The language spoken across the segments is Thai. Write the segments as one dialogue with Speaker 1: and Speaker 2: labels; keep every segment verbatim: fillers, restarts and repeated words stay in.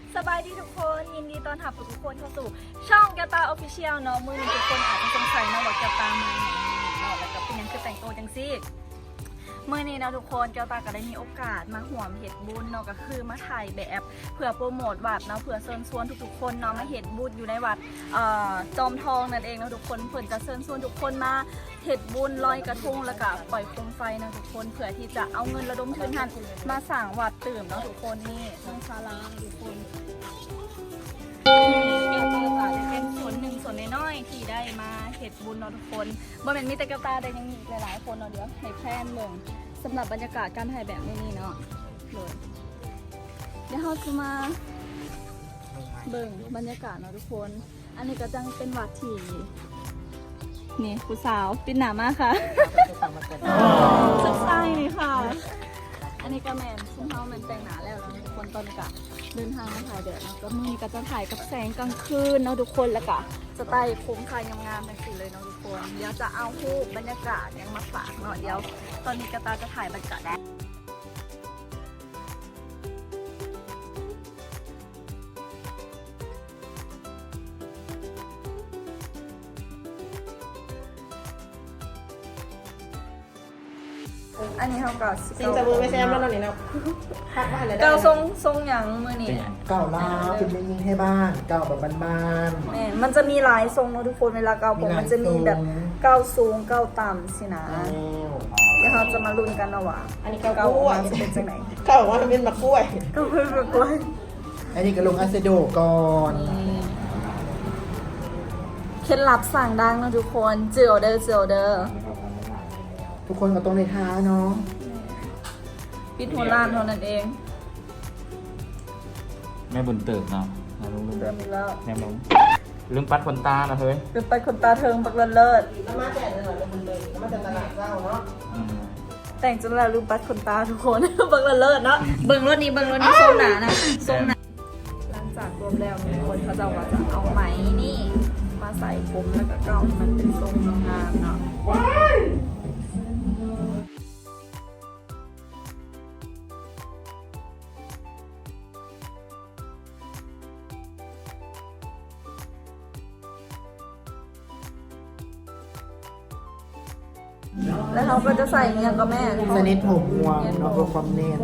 Speaker 1: สบายดีทุกคนยินดีต้อนรับทุกคนเข้าสู่ช่องแกวตาออฟฟิเชียลเนาะมือนี้ทุกคนอาจจะสงสัยเนาะว่าแกวตามาไหนเนาะแล้วก็เป็นยังคือแต่งตัวจังซี่เมื่อนี้นะทุกคนแกวตาก็ได้มีโอกาสมาห่วมเห็ดบุญเนาะก็คือมาถ่ายแบบเพื่อโปรโมทวัดเนาะเพื่อเชิญชวนทุกๆคนเนาะมาเห็ดบุญอยู่ในวัดจอมทองนั่นเองเนาะทุกคนเพื่อนจะเชิญชวนทุกคนมาเห็ดบุญลอยกระทงแล้วก็ปล่อยโคมไฟนะทุกคนเพื่อที่จะเอาเงินระดมทุนทันมาสร้างวัดตื่มเนาะทุกคนนี่ช่องศาลาทุกคนแก้วตาจะเป็นส่วนหนึ่งส่วนน้อยๆที่ได้มาเห็ดบุญเนาะทุกคนบ่เป็นมีแต่แก้วตาได้ยังมีอีกหลายๆคนเนาะเดี๋ยวในแพลนเมืองสำหรับบรรยากาศการถ่ายแบบในนี้เนาะเลยเดี๋ยวเราจะมาเบิ่งบรรยากาศเนาะทุกคนอันนี้ก็จังเป็นวัดที่นี่ผู้สาวปิดหนามากค่ะสุดท้ายนี่ค่ะอันนี้ก็แมนซึ่งเขาแมนแต่งหนาแล้วแล้วทุกคนตอนนี้ก็เดินทางมาถ่ายเดี๋ยวนะก็มือก็จะถ่ายกับแสงกลางคืนเนาะทุกคนแล้วก็สไตล์โค้งคายงามๆแบบนี้เลยเนาะทุกคนเดี๋ยวจะเอารูปบรรยากาศยังมาฝากเนาะเดี๋ยวตอนนี้กระตาจะถ่ายบรรยากาศได้อันนี้เขาก็
Speaker 2: ซิงจะมือไม่แซมแล้วนี่เนาะพักบ้านเลย
Speaker 1: เก้าทรงทรงอย่างมือนี่
Speaker 3: เก่าล้าวเป็นไม่ยิงให้บ้านเก่าแบบบ้าน
Speaker 1: แม่มันจะมีหลายทรงเนาะทุกคนเวลาเกาผมมันจะมีแบบเก้าสูงเก้าต่ำสินะเดี๋ยวเราจะมาลุ้นกันนะว่า
Speaker 2: อันนี้เก่า
Speaker 1: เก้าก
Speaker 2: ล้วย
Speaker 1: จะเป็นจังไหน
Speaker 2: เก่าว่ามันเป็นมะกล้วย
Speaker 1: เก้าเป็นแบบกล้วย
Speaker 3: ๆอันนี้ก็ลงอาเซโดก่อน
Speaker 1: เคล็ดลับสั่งดังนะทุกคนเจียวเด้อเจียวเด้อ
Speaker 3: ทุกคนก็ต้องในท้าเนาะ
Speaker 1: ปิดหัวล้านเท่านั้นเอง
Speaker 4: แม่บุญเติบเนาะนะลุงลุง
Speaker 1: เริ่มอีกแล้ว
Speaker 4: แม่ลุงลืมปัดคนตาเนาะเฮ้ย
Speaker 1: เป็นไปคนตาเทิงปักเลิศเลิศ
Speaker 2: แล้วมาแต่เลยเลยมันเลยแล้วมาแต่ตลาดเจ้าเนาะ
Speaker 4: อืม
Speaker 1: แต่งจนแล้วลืมปัดคนตาทุกคน ปักเลิศเลิศเนาะเบิ่งรถนี้เบิ่งรถนี้ทรงหนานะทรงหนาหลังจากรวมแล้วทุกคนเขาจะว่าจะเอาไหมนี่มาใส่ผมแล้วก็เกาให้มันเป็นทรงงามเนาะแล้วเขาก็จะใส่เงี้ยกับแม่
Speaker 3: สนิทผมห่วงเนาะเพื่อความเน้น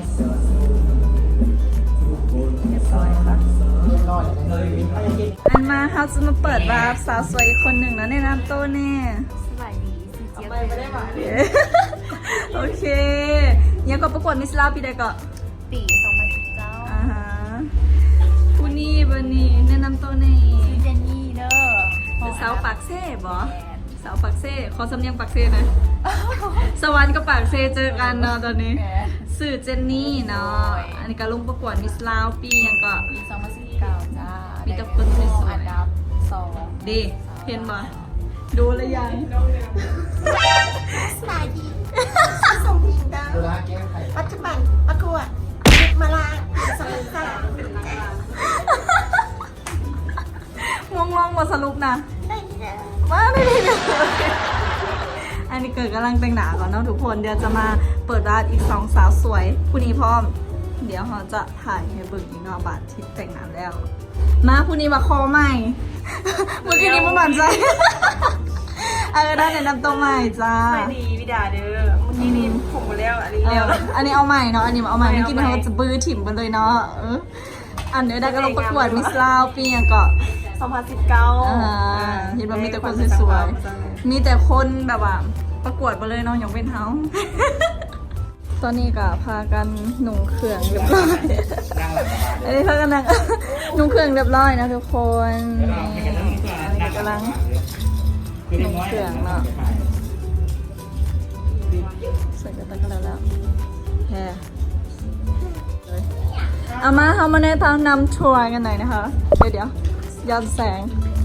Speaker 1: เรียบร้อยค่ะ
Speaker 3: ก้อน
Speaker 1: อันมาเขาจะมาเปิดวาร์ปสาวสวยอีกคนหนึ่งแล้วในน้ำโต้แน่
Speaker 5: สบายดีสิเจี๊ยบ
Speaker 2: ไปไม่ได้หวาน
Speaker 1: โอเคยังก็ประกวดมิสลาปีใดก็
Speaker 5: ปีสองพันสิบเก้า
Speaker 1: อ่าฮะผู้นี่บันนี่แนะนำตัวแน่
Speaker 5: ชื่อเจนนี่เด้อ
Speaker 1: เป็นสาวปากเซ่บอสาวปากเซ่ขอสำเนียงปากเซ่นะสวรรค์กับปากเซ่เจอกันเนาะตอนนี้สื่อเจนนี่เนาะอันนี้ก็ลงประกวดมิสลาวปียังก็
Speaker 5: ปีสองพันสิบเก้าจ้า
Speaker 1: มีแต่คนสวยๆ
Speaker 5: อันดับสอง
Speaker 1: ดีเห็นบ่ดูแล้วยัง
Speaker 2: สบายดีสมพิงดาว
Speaker 3: เวลาแก้ไข
Speaker 2: ปัจจุบันประกวดมาลาสมุนไพร
Speaker 1: ง่วงลองมาสรุปนะ
Speaker 2: ได้เด้อ
Speaker 1: มาไม่ได้เลยอันนี้เกิดกำลังแต่งหนาก่อนเนาะทุกคนเดี๋ยวจะมาเปิดร้านอีกสองสาวสวยผู้นี้พร้อม เดี๋ยวเราจะถ่ายให้เบิ่งอีกเนาะบาทที่แต่งหน้าแล้ว มาผู้นี้มาคอใหม่ เมื่อกี้นี้มันหมั่นใจ เออได้แนะนำตัวใหม่จ้า
Speaker 2: สบายดีวิดาเด้อเมื่อกี้นี้ผมมาแล้วอันนี้
Speaker 1: เอ
Speaker 2: แล้ว
Speaker 1: ออันนี้เอาใหม่เนาะอันนี้เอาใหม่เมื่อกี้นี้เราจะบื้อถิ่มกันเลยเนาะเอออันเดี๋ยวได้ก็ลงประกวดมิสลาวปียังก็
Speaker 2: สองพันสิบเก้า
Speaker 1: อ่าเห็นว่ามีแต่คนสวยๆ มีแต่คนแบบว่าประกวดไปเลยเน้องอย่างเป็นเฮา ตอนนี้ก็พากันหนุ่งเครื่องเรียบร้อยอันนี้พากันนั่ง นุ่งเครื่องเรียบร้อยนะทุกคนนี่อันนี้กำลังหนุ่งเครื่องเนาะใส่กระตักกันแล้วแล้วแฮเอามาเขามาแนะนำทัวร์กันหน่อยนะคะ เดี๋ยวเดี๋ยวย้อนแสง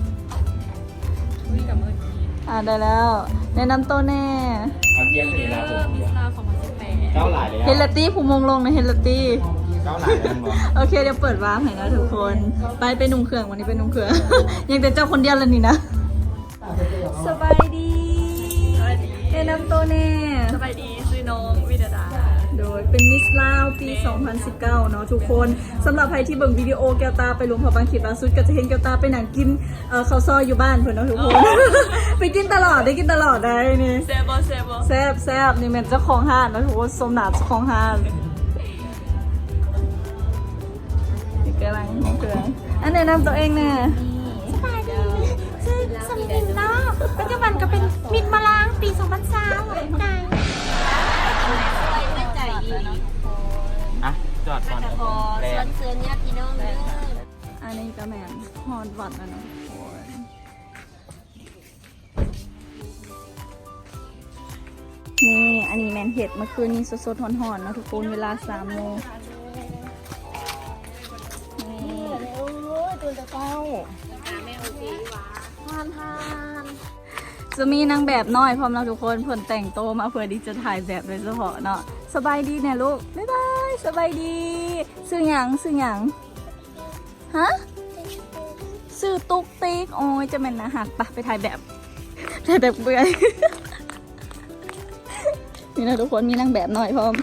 Speaker 1: อ่าได้แล้ว แนะนำตัวแน่
Speaker 4: เอาเจี๊ยบเลยนะผม
Speaker 5: มิสลาสองพันสิบแปด
Speaker 4: เก้าหลายเลย
Speaker 1: เฮลตี้ผู้มงลงในเฮลตี้
Speaker 4: เก้าหลายเลยมั้ง
Speaker 1: โอเคเดี๋ยวเปิดวาร์ปให้นะทุกคน ไปไปนุ่งเครื่องวันนี้ไปนุ่งเครื่อง ยังแต่เจ้าคนเดียวเลยนี่นะ สบายดีแนะนำตัวแน่
Speaker 5: สบายดีชื่อน้องวิดาดา
Speaker 1: โดยยเป็นมิสลาวปี สองพันสิบเก้า เนาะทุกคนสำหรับใครที่เบิ่งวิดีโอแก้วตาไปหลวงพระบางขีดล่าสุดก็จะเห็นแก้วตาไปหนังกินเอ่อข้าวซอยอยู่บ้านเพิ่นเนาะทุกคน ไปกินตลอดได้กินตลอดได้นี่
Speaker 5: เซบเซบ
Speaker 1: แซ่บแซ่บนี่แม่นเจ้าของห้านเนาะทุกคนสมนาเจ้าของห้านนี่กำลังเครื่องอันแนะนำตัวเองแน่
Speaker 2: สบายดีชื่อสมพิงเนาะปัจจุบันก็เป็นมิดมาล้างปีสองพันสามไก่
Speaker 5: ใจอีก
Speaker 4: อ่ะจอดก่อนแรง
Speaker 5: เสื้อเนี่ยพี่น้องเลย
Speaker 1: อันนี้ก็แม่นฮอดวัดแล้วเนาะทุกคนนี่อันนี้แมนเห็ดเมื่อคืนนี้สดๆหอนๆเนาะทุกคนเวลาสามโมงนี่ทานทานจะมีนางแบบน้อยพร้อมเราทุกคนเพิ่นแต่งโตวมาเพื่อที่จะถ่ายแบบโดยเฉพาะเนาะสบายดีเนี่ยลูกบ๊ายบายสบายดีซื้อหยังซื้อหยังฮะซื้อตุ๊กติ๊กโอ้ยจะเป็นอาหารปะไปถ่ายแบบถ่ายแบบเบื่อย นี่นะทุกคนมีนางแบบหน่อยพร้อม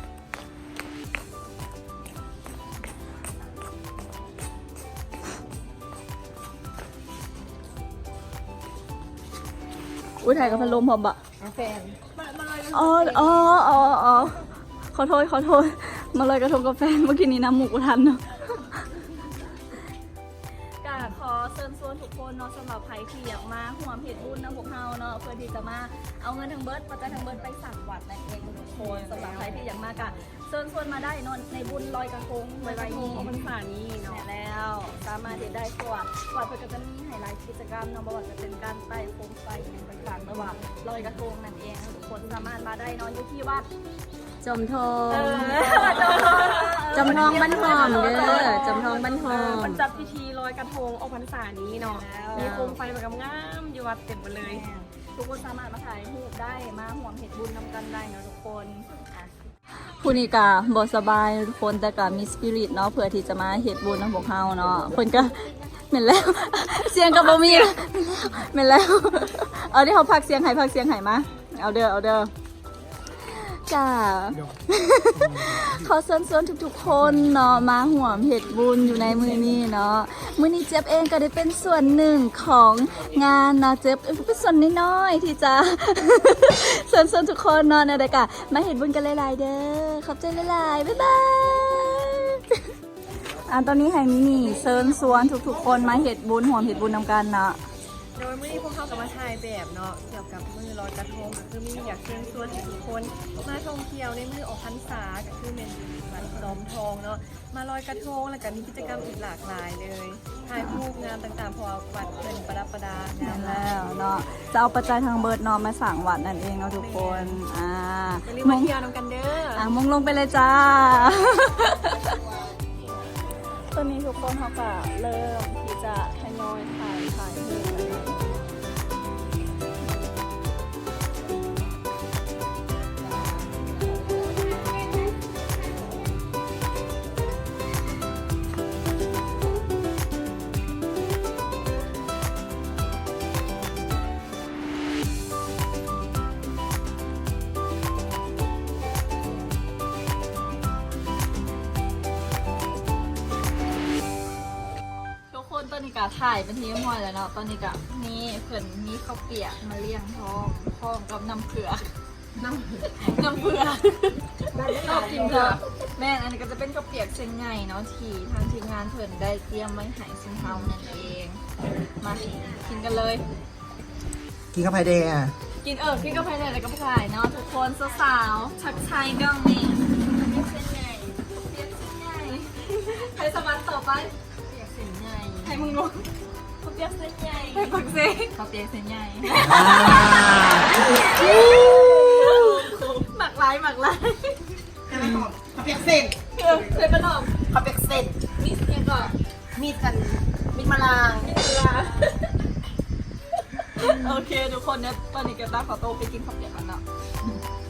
Speaker 1: อุ้ยถ่ายกับพัดลมพร้อมบะ
Speaker 2: แฟน
Speaker 1: อ๋ออ๋ออ๋ออ๋อขอโทษขอโทษมาเลยกระทงกาแฟเมื่อกี้นี้น้ำหมูกทันเนาะกาขอเชิญชวนทุกคนเนาะสำหรับใครที่อยากมาห่วมเพจบุญนะพวกเฮาเนาะเพื่อที่จะมาเอาเงินทางเบิร์ดปัจจัยทางเบิร์ดไปสั่งวัดนั่นเองทุกคนสำหรับใครที่อยากมากะเชิญชวนมาได้เนอนในบุญลอยกระทงไว้ๆนี้
Speaker 5: พรรษานี้เนาะ
Speaker 1: แน่แล้วสามารถเห็นได้สวัสดสวัสดเพื่อก็จะมีไฮไลท์กิจกรรมเนาะบ่ว่าจะเป็นการไต่โคมไฟอย่างต่างๆระหว่างลอยกระทงนั่นเองทุกคนสามารถมาได้เนอนอยู่ที่วัด
Speaker 5: จมทอง
Speaker 1: เออ
Speaker 5: จำทองบ้านหอมเด้อจำทองบ้านหอม
Speaker 6: มันจัดพิธีลอยกระทงออกพรรษานี้เนาะ
Speaker 1: แล้ว
Speaker 6: มีโคมไฟแบบงามๆอยู่วัดเต็มไปเลย
Speaker 1: ทุกคนสามารถมาถ่ายรูปได้มาห่วงเห็ดบุญนำกันได้เนาะทุกคนอ่ะผู้นี้กะบอสบายทุกคนแต่กะมีสปิริตเนาะเพื่อที่จะมาเห็ดบุญนำพวกเฮาเนาะคนก็เหม็นแล้ว เสียงกับบ่มีเหม็นแล้วเอาที่เขาพักเสียงไห้พักเสียงไห้มาเอาเด้อเอาเด้อจ้า ขอเชิญชวนทุกๆคนเนาะมาห่วมเห็ดบุญอยู่ในมือนี้เนาะมือนี้เจี๊ยบเองก็ได้เป็นส่วนหนึ่งของงานเนาะเจี๊ยบเป็นส่วนน้อยๆที่จะ เชิญชวนทุกคนเนาะในรายการมาเห็ดบุญกันหลายๆเด้อขอบใจหลายๆบ๊ายบายอ่ะตอนนี้ไฮมินี่เชิญชวนทุกๆคนมาเห็ดบุญห่วมเห็ดบุญนำกันเนาะ
Speaker 6: โดยเมื่อนี้พวกเขากับมาถ่ายแบบเนาะเกี่ยวกับมือลอยกระทงก็คือมีอยากเชิญชวนให้ทุกคนมาท่องเที่ยวในมือออกพรรษาก็คือเป็นวัดจอมทองเนาะมาลอยกระทงแล้วก็มีกิจกรรมอีกหลากหลายเลยถ่ายรูปงานต่างๆเพอวัดเป็นประดับประดางาม
Speaker 1: แล้วเนาะจะเอาปัจจัยทางเบิร์ดเนาะมาสั่งวัดนั่นเองเนาะทุกคนอ่า
Speaker 6: อย่าลืมมาเที่ยวน้ำกันเด้อ
Speaker 1: อ่ะมงลงไปเลยจ้า ตอนนี้ทุกคนเขาก็เริ่มที่จะทยอยถ่ายถ่ายรูปกันแล้วทุกคนตอนนี้ก็ถ่ายเป็นทีมหอยแล้วเนาะตอนนี้ก็นี่เพิ่นมีข้าวเปียกมาเลี้ยงท้องท้องกับน้ำเผือกน้ำน้ำเผือกชอบกินเผือกแม่นอันนี้ก็จะเป็นข้าวเปียกเชียงใหญ่เนาะที่ทางทีมงานเพิ่นได้เตรียมไว้ให้ซึ่งเฮานั่นเองมากินกันเลย
Speaker 3: กินข้าวไผ่แดงอ่ะ
Speaker 1: กินเออกินก็ภายในแล้วก็ภายเนาะทุกคนสาวๆชักชัยเรื่องนี้เส้นใหญ่เส้นใหญ่ใครสมัครต่อไป
Speaker 5: เปียกเส้นใหญ่
Speaker 1: ให้มึงรู้เขาเปียกเส้นใหญ่ให้ฟังซิ
Speaker 5: เขาเปียกเส้นใหญ่
Speaker 1: หมักลายหมักลาย
Speaker 2: ข้าวเปียกเส้น
Speaker 1: เออเคยประนอม
Speaker 2: ข้าวเปียกเส้น
Speaker 1: มิสเนี่ยก่อน
Speaker 2: มีดกันมีดมาล้าง
Speaker 1: เวลาโอเคทุกคนเนี่ยตอนนี้เก็บตาขอโตวไปกินข้าวเปียกกันเนาะ